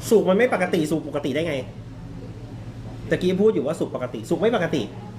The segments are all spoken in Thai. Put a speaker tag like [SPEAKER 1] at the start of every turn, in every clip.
[SPEAKER 1] สุขมันไม่ปกติสุขปกติได้ไงตะกี้พูดอยู่ว่าสุขปกติสุขไม่ปกติ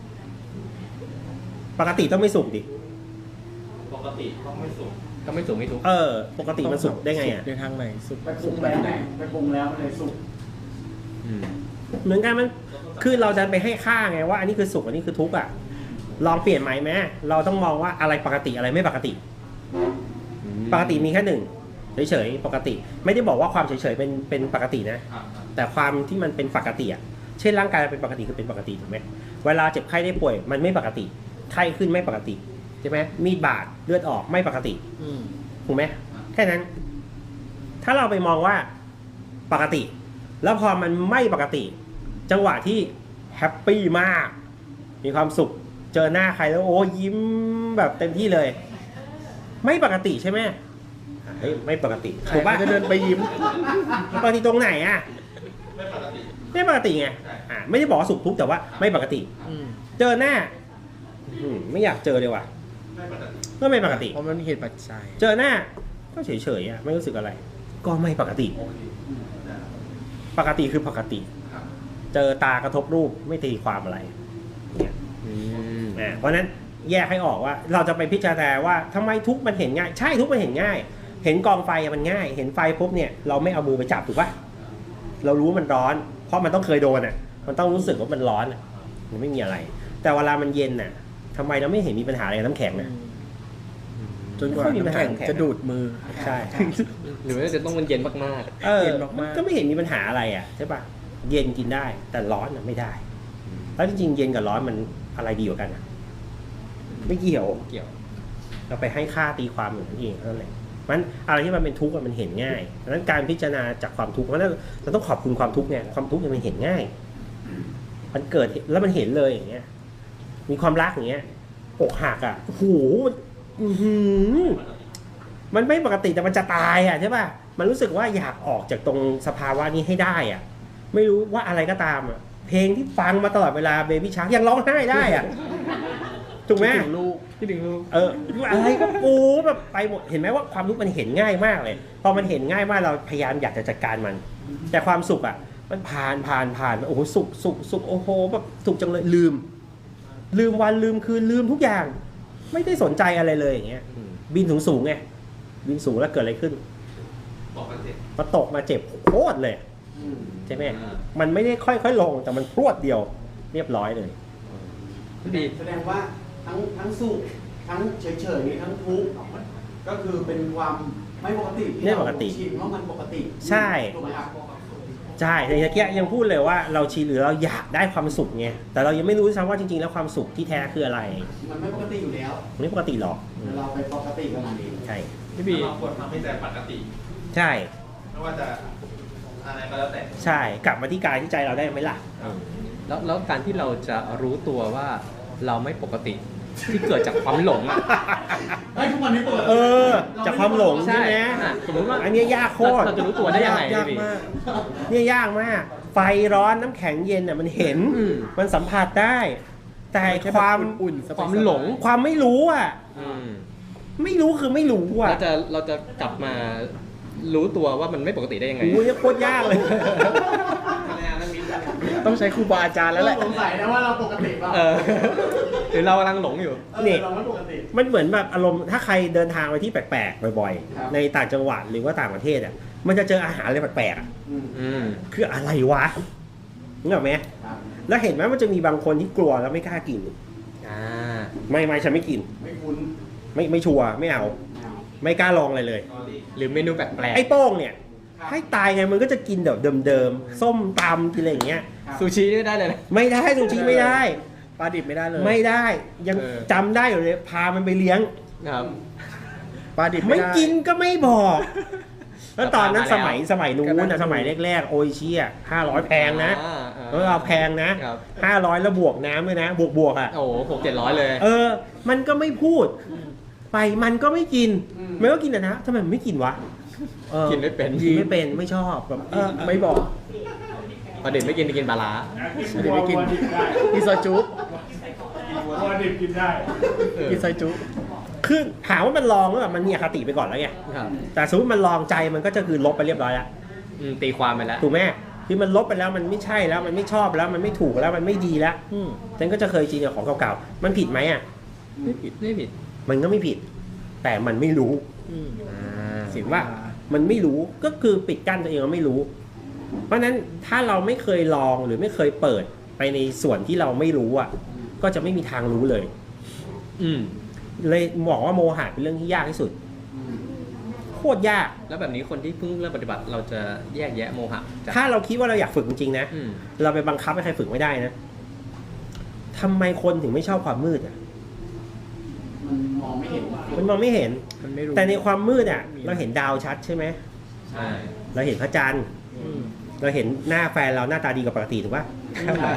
[SPEAKER 1] ปกติต้องไม่สุขดิ
[SPEAKER 2] ปกติต้องไม่สุขไม่ทุก
[SPEAKER 1] ปกติมันสุขได้ไงอ่ะ
[SPEAKER 3] ในทางไหนสุข
[SPEAKER 4] ไปปรุงแล้วไปปรุงแล้วมันเลยสุก
[SPEAKER 1] เหมือนกันมันคือเราจะไปให้ค่าไงว่าอันนี้คือสุขอันนี้คือทุกข์อ่ะลองเปลี่ยนไหมแม่เราต้องมองว่าอะไรปกติอะไรไม่ปกติปกติมีแค่หนึ่งเฉยๆปกติไม่ได้บอกว่าความเฉยๆเป็นปกตินะแต่ความที่มันเป็นปกติอ่ะเช่นร่างกายเป็นปกติคือเป็นปกติถูกไหมเวลาเจ็บไข้ได้ป่วยมันไม่ปกติไข้ขึ้นไม่ปกติใช่ไหมมีดบาดเลือดออกไม่ปกติถูกไหมแค่นั้นถ้าเราไปมองว่าปกติแล้วพอมันไม่ปกติจังหวะที่แฮปปี้มากมีความสุขเจอหน้าใครแล้วโอ้ยิ้มแบบเต็มที่เลยไม่ปกติใช่ไหมเฮ้ยไม่ปกติถูกป่ะ
[SPEAKER 3] จะเดินไปยิ้ม
[SPEAKER 1] ปกติตรงไหนอ่ะ
[SPEAKER 2] ไม่ปกติ
[SPEAKER 1] ไม่ปกติไงไม่ได้บอกว่าสุขทุกข์แต่ว่าไม่ปกติเจอหน้าไม่อยากเจอเลยว่ะก็ไม่ปกติ
[SPEAKER 3] เพราะมันเหตุปัจจัย
[SPEAKER 1] เจอหน้าก็เฉยๆอ่ะไม่รู้สึกอะไร ก็ไม่ปกติปกติคือปกติเจอตากระทบรูปไม่ตีความอะไรเนี่ยเพราะนั้นแยกให้ออกว่าเราจะไปพิจารณาว่าทำไมทุกข์มันเห็นง่ายใช่ทุกข์มันเห็นง่ายเห็นกองไฟมันง่ายเห็นไฟปุ๊บเนี่ยเราไม่เอามือไปจับถูกปะเรารู้มันร้อนเพราะมันต้องเคยโดนอ่ะมันต้องรู้สึกว่ามันร้อนมันไม่มีอะไรแต่เวลามันเย็นน่ะทำไมเราไม่เห็นมีปัญหาอะไรกับน้ำแข็งน่ะ
[SPEAKER 3] จนกว่าน้ำแข็งจะดูดมือ
[SPEAKER 1] ใช่
[SPEAKER 2] หรือว่าจะต้องมันเย็นมาก
[SPEAKER 3] ๆเย็นมาก
[SPEAKER 1] ๆก็ไม่เห็นมีปัญหาอะไรอ่ะใช่ปะเย็นกินได้แต่ร้อนน่ะไม่ได้แล้วจริงๆเย็นกับร้อนมันอะไรดีกว่ากันอ่ะไม่เกี่ยวเราไปให้ค่าตีความอย่างนั้นเองนั่นแหละมันอะไรที่มันเป็นทุกข์มันเห็นง่ายดังนั้นการพิจารณาจากความทุกข์เพราะนั้นเราต้องขอบคุณความทุกข์เนี่ยความทุกข์มันเห็นง่ายมันเกิดแล้วมันเห็นเลยอย่างเงี้ยมีความรักอย่างเงี้ยอกหักอ่ะโอ้โหมันไม่ปกติแต่มันจะตายอ่ะใช่ป่ะมันรู้สึกว่าอยากออกจากตรงสภาวะนี้ให้ได้อ่ะไม่รู้ว่าอะไรก็ตามอ่ะเพลงที่ฟังมาตลอดเวลาเบบี้ชาร์กยังร้องไห้ได้อ่ะถูกไหม
[SPEAKER 3] คิดถึงลูก
[SPEAKER 1] อะไรก็ปูแบบไปหมดเห็นไหมว่าความทุกข์มันเห็นง่ายมากเลยพอมันเห็นง่ายมากเราพยายามอยากจะจัดการมันแต่ความสุขอ่ะมันผ่านโอ้โหสุขโอ้โหแบบสุขจังเลยลืมวันลืมคืนลืมทุกอย่างไม่ได้สนใจอะไรเลยอย่างเงี้ยบินสูงไงบินสูงแล้วเกิดอะไรขึ้นพอตกมาเจ็บโคตรเลยใช่ไหมมันไม่ได้ค่อยๆลงแต่มันพรวดเดียวเรียบร้อยเลย
[SPEAKER 4] ดีแสดงว่าทั้งสุขทั้งเฉยๆทั้งทุกข์ก็คือเป็นความไม่ปกติที่เราชินว่ามันปกติ
[SPEAKER 1] ใช่ใช่แต่เมื่อกี้ยังพูดเลยว่าเราชินหรือเราอยากได้ความสุขไงแต่เรายังไม่รู้ซ้ำว่าจริงๆแล้วความสุขที่แท้คืออะไร
[SPEAKER 4] มันไม่ปกติอยู่แล้ว
[SPEAKER 1] ไม่ปกติหรอก
[SPEAKER 4] เราไปปกติกับมันเอง
[SPEAKER 1] ใช่
[SPEAKER 2] พี่บีเราควรทำให้ใจปกติ
[SPEAKER 1] ใช่
[SPEAKER 2] ไม่ว่าจะอะไรก็แล้วแต่
[SPEAKER 1] ใช่กลับมาที่กายที่ใจเราได้ไหมล่ะ
[SPEAKER 2] แล้วการที่เราจะรู้ตัวว่าเราไม่ปกติที่เกิดจากความหลงอ่ะ
[SPEAKER 4] ทุกวันนี้ปกติ
[SPEAKER 1] จากความหลงใช่ไหม
[SPEAKER 2] สมมติว่า
[SPEAKER 1] อันนี้ยากโคตร
[SPEAKER 2] เราจะรู้ตัวได้ยังไง
[SPEAKER 1] ยากมากเนี่ยยากมากไฟร้อนน้ำแข็งเย็นอ่ะมันเห็นมันสัมผัสได้แต่ความ
[SPEAKER 3] อุ่น
[SPEAKER 1] ความหลงความไม่รู้อ่ะไม่รู้คือไม่รู้อ่ะ
[SPEAKER 2] เราจะกลับมารู้ตัวว่ามันไม่ปกติได้ยังไง
[SPEAKER 1] โอ้ยโคตรยากเลย
[SPEAKER 3] ต้องใช้ครูบาอาจารย์แล้วแหละ
[SPEAKER 4] สงสัยนะว่าเราปกติป่ะ
[SPEAKER 2] หรือเรากำลังหลงอยู่
[SPEAKER 1] นี่มันเหมือนแบบอารมณ์ถ้าใครเดินทางไปที่แปลกๆบ่อยๆในต่างจังหวัดหรือว่าต่างประเทศอ่ะมันจะเจออาหารอะไรแปลกๆคืออะไรวะนึกออกไหมแล้วเห็นไหมมันจะมีบางคนที่กลัวแล้วไม่กล้ากินไม่ฉันไม่กิน
[SPEAKER 4] ไม่คุ้น
[SPEAKER 1] ไม่ชัวร์ไม่เอาไม่กล้าลองอะไรเลย
[SPEAKER 2] หรือเมนูแปลกๆ
[SPEAKER 1] ไอ้โป้งเนี่ยให้ตายไงมันก็จะกินแบบเดิมๆส้มตำกินอะไรอย่างเงี้ย
[SPEAKER 2] ซูชิไม่ได้เลย
[SPEAKER 1] ไม่ได้ซูชิไม่ได้
[SPEAKER 3] ปลาดิบไม่ได้เลย
[SPEAKER 1] ไม่ได้ยังจำได้อยู่เลยพามันไปเลี้ยง
[SPEAKER 2] ครับ
[SPEAKER 3] ปลาดิบ
[SPEAKER 1] ไม่กินก็ไม่บอกแล้วตอนนั้นสมัยนู้นนะสมัยแรกๆโออิชิ500แพงนะแล้วเราแพงนะ500แล้วบวกน้ำด้วยนะบวกอ่ะ
[SPEAKER 2] โอ้โห600-700เลย
[SPEAKER 1] มันก็ไม่พูดไปมันก็ไม่กินไม่ก็กินนะทำไมมันไม่กินวะ
[SPEAKER 2] กินไม่เป็น
[SPEAKER 1] ไม่ชอบแบบ
[SPEAKER 3] ไม่บอก
[SPEAKER 2] ปลาดิบไม่กินปลาล้า
[SPEAKER 3] ไม่กินกินซอยจุ
[SPEAKER 4] ปลาดิบกินได้
[SPEAKER 3] กินซอยจุ
[SPEAKER 1] คือถามว่ามันลองแล้วแบบมันมีอคติไปก่อนแล้วไงแต่สมมติมันลองใจมันก็จะคือลบไปเรียบร้อยแล้ว
[SPEAKER 2] ตีความไปแล้ว
[SPEAKER 1] ถูกไหมที่มันลบไปแล้วมันไม่ใช่แล้วมันไม่ชอบแล้วมันไม่ถูกแล้วมันไม่ดีแล้ว
[SPEAKER 3] อืม
[SPEAKER 1] ฉันก็จะเคยชินกับของเก่าๆมันผิดไหมอ่ะ
[SPEAKER 2] ไม่ผิดไม่ผิด
[SPEAKER 1] มันก็ไม่ผิด แต่มันไม่รู้
[SPEAKER 3] อืม
[SPEAKER 1] เห็นว่ามันไม่รู้ก็คือปิดกั้นตัวเองว่าไม่รู้ เพราะฉะนั้นถ้าเราไม่เคยลองหรือไม่เคยเปิดไปในส่วนที่เราไม่รู้อ่ะ ก็จะไม่มีทางรู้เลย
[SPEAKER 2] อืม
[SPEAKER 1] เลยบอกว่าโมหะเป็นเรื่องที่ยากที่สุดโคตรยาก
[SPEAKER 2] แล้วแบบนี้คนที่เพิ่งเริ่มปฏิบัติเราจะแยกแยะโมหะจาก
[SPEAKER 1] ถ้าเราคิดว่าเราอยากฝึกจริงๆนะ
[SPEAKER 2] อืม
[SPEAKER 1] เราไปบังคับให้ใครฝึกไม่ได้นะทำไมคนถึงไม่ชอบความมืดอ่ะ
[SPEAKER 4] มันมองไม่เห็น
[SPEAKER 1] มันมองไม่เห็น
[SPEAKER 3] มันไม่รู้
[SPEAKER 1] แต่ในความมืดอ่ะ เราเห็นดาวชัดใช่ไหม
[SPEAKER 2] ใช่
[SPEAKER 1] เราเห็นพระจันทร์
[SPEAKER 3] อืม
[SPEAKER 1] เราเห็นหน้าแฟนเราหน้าตาดีกว่าปกติถูกป่ะ
[SPEAKER 4] ใช่ใช่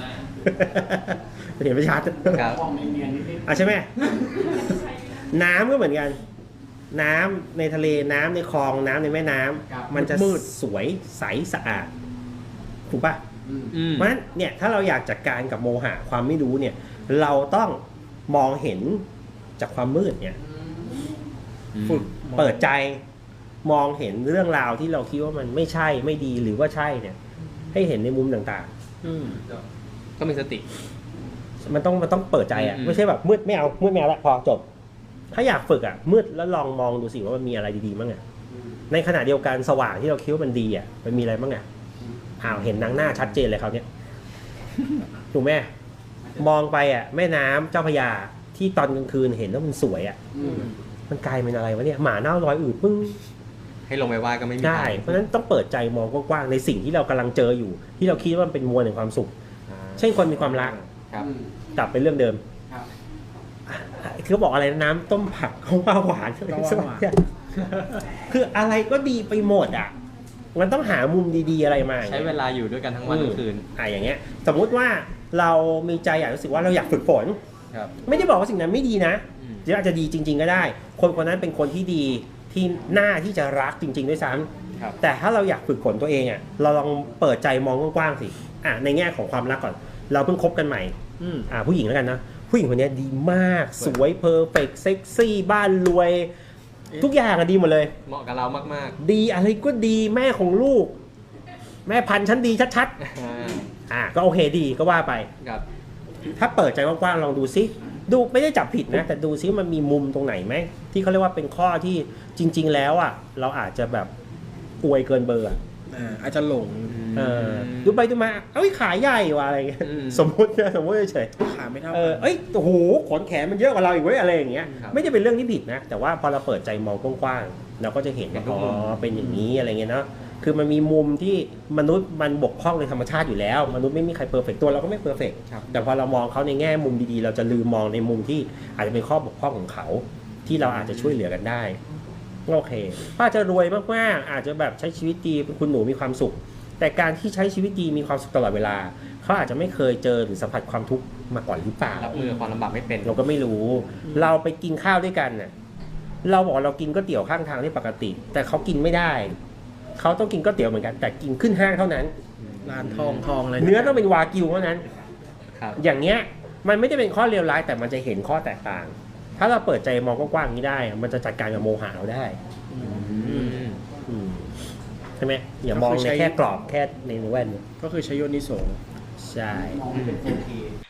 [SPEAKER 1] เราเห็นไม่ชัด
[SPEAKER 2] ครับ
[SPEAKER 4] มองเนียนๆนิด
[SPEAKER 1] อ่ะใช่ไหม น้ำก็เหมือนกัน น้ำในทะเลน้ำในคลองน้ำในแม่น้ำมันจะสวยใสสะอาดถูกป่ะ
[SPEAKER 4] ๆอืม
[SPEAKER 2] อืม
[SPEAKER 1] เพราะฉะนั้นเนี่ยถ้าเราอยากจัดการกับโมหะความไม่รู้เนี่ย เราต้องมองเห็นจากความมืดเนี่ย
[SPEAKER 3] ฝึก
[SPEAKER 1] เปิดใจมองเห็นเรื่องราวที่เราคิดว่ามันไม่ใช่ไม่ดีหรือว่าใช่เนี่ย ให้เห็นในมุมต่าง
[SPEAKER 3] อืม
[SPEAKER 2] ก็มีสติ
[SPEAKER 1] ๆ มันต้องเปิดใจอ่ะ
[SPEAKER 2] อืม
[SPEAKER 1] ไม่ใช่แบบมืดไม่เอามืดไม่เอาละพอจบ ถ้าอยากฝึกอ่ะมืดแล้วลองมองดูสิว่ามันมีอะไรดีๆบ้างอ่ะในขณะเดียวกันสว่างที่เราคิดว่ามันดีอ่ะมันมีอะไรบ้างอ่ะเห็นหน้าชัดเจนเลยเขาวเนี่ยถูกไหมมองไปอ่ะแม่น้ำเจ้าพระยาที่ตอนกลางคืนเห็นแล้วมันสวยอ่ะ
[SPEAKER 4] อืม
[SPEAKER 1] มันกลายเป็นอะไรวะเนี่ยหมาเน่ารอยอืดปึ้ง
[SPEAKER 2] ให้ลงไปว่าก็ไม่มี
[SPEAKER 1] ได้
[SPEAKER 2] ทาง
[SPEAKER 1] เพราะฉะนั้นต้องเปิดใจมองกว้างๆในสิ่งที่เรากำลังเจออยู่ ที่เราคิดว่ามันเป็นมวลแห่งความสุข เช่นคนมีความรัก
[SPEAKER 2] ครับ
[SPEAKER 4] อืม
[SPEAKER 1] กลับไปเรื่องเดิม
[SPEAKER 4] ครับ
[SPEAKER 1] คือบอกอะไรนะน้ำต้มผักเขาว่าหวาน
[SPEAKER 3] เขาว่าหวาน
[SPEAKER 1] คืออะไรก็ดีไปหมดอ่ะ มันต้องหามุมดีๆอะไรมา
[SPEAKER 2] ใช้เวลาอยู่ด้วยกันทั้งวันทั้งคืน
[SPEAKER 1] อย่างเงี้ย สมมุติว่าเรามีใจอยากรู้สึกว่าเราอยากฝึกฝน
[SPEAKER 2] ครับ
[SPEAKER 1] ไม่ได้บอกว่าสิ่งนั้นไม่ดีนะ
[SPEAKER 2] อืม
[SPEAKER 1] หรืออาจจะดีจริง ๆ ก็ได้ คนคนนั้นเป็นคนที่ดีที่น่าที่จะรักจริง ๆ ด้วยซ้ำ
[SPEAKER 2] ครับ
[SPEAKER 1] แต่ถ้าเราอยากฝึกฝนตัวเองอ่ะ เราลองเปิดใจมองกว้างๆสิในแง่ของความรักก่อน เราเพิ่งคบกันใหม่
[SPEAKER 3] อืม
[SPEAKER 1] ผู้หญิงแล้วกันนะ ผู้หญิงคนนี้ดีมาก สวยเพอร์เฟกต์เซ็กซี่บ้านรวย ทุกอย่างอะดีหมดเลย
[SPEAKER 2] เหมาะกับเรามาก
[SPEAKER 1] ดีอะไรก็ดีแม่ของลูก แม่พันธุ์ชั้นดีชัด
[SPEAKER 2] ๆ
[SPEAKER 1] ก็โอเคดีก็ว่าไป
[SPEAKER 2] ครับ
[SPEAKER 1] ถ้าเปิดใจกว้างๆลองดูซิดูไม่ได้จับผิดนะ แต่ดูซิมันมีมุมตรงไหนไหมที่เขาเรียกว่าเป็นข้อที่จริง ๆ แล้วอ่ะเราอาจจะแบบอวยเกินเบอร์อะ
[SPEAKER 3] อาจจะหลง
[SPEAKER 1] ดูไปดูมาเอ้ยขาใหญ่ว่ะอะไรเงี้ย
[SPEAKER 2] อืม
[SPEAKER 1] สมมตินะสมมติเฉย
[SPEAKER 3] ขาไม่เท่า
[SPEAKER 1] ๆเอ้ยโอ้โหขนแขนมันเยอะกว่าเราอีกเว้ยอะไรอย่างเงี้ย
[SPEAKER 2] ครับ
[SPEAKER 1] ไม่ได้เป็นเรื่องที่ผิดนะ แต่ว่าพอเราเปิดใจมองกว้างๆเราก็จะเห็นว่า
[SPEAKER 2] เห็นทุ
[SPEAKER 1] อ๋
[SPEAKER 2] กมุม
[SPEAKER 1] อเป็นอย่างนี้อะไรเงี้ยเนาะคือมันมีมุมที่มนุษย์มันบกพร่องในธรรมชาติอยู่แล้ว มนุษย์ไม่มีใครเพอร์เฟกตัวเราก็ไม่เพอร์เฟก
[SPEAKER 2] ครับ
[SPEAKER 1] แต่พอเรามองเขาในแง่มุมดีๆ เราจะลืมมองในมุมที่อาจจะเป็นข้อบกพร่องของเขา ที่เราอาจจะช่วยเหลือกันได้โอเคป้าจะรวยมากๆอาจจะแบบใช้ชีวิตดีเป็นคุณหนูมีความสุข แต่การที่ใช้ชีวิตดีมีความสุขตลอดเวลาเขาอาจจะไม่เคยเจอหรือสัมผัสความทุกข์มาก่อนหรือเปล่า
[SPEAKER 2] รับมือกับความลำบากไม่เป็น
[SPEAKER 1] เราก็ไม่รู้ เราไปกินข้าวด้วยกันน่ะเราบอกเรากินก๋วยเตี๋ยวข้างทางที่ปกติ แต่เขากินไม่ได้เขาต้องกินก๋วยเตี๋ยวเหมือนกันแต่กินขึ้นห้างเท่านั้น
[SPEAKER 3] ร้านทองอะไร
[SPEAKER 1] เนื้อต้องเป็นวากิวเท่านั้น
[SPEAKER 2] ครับ
[SPEAKER 1] อย่างเงี้ยมันไม่ได้เป็นข้อเลวร้ายแต่มันจะเห็นข้อแตกต่าง ถ้าเราเปิดใจมองกว้างๆอย่างนี้ได้ มันจะจัดการกับโมหะเราได้
[SPEAKER 2] อืม
[SPEAKER 1] อืมใช่ไหมอย่ามองในแค่กรอบแค่ในแว่น
[SPEAKER 3] ก็คือใช้โยนิโส
[SPEAKER 1] ใช่
[SPEAKER 4] มองไม่เป็น 4K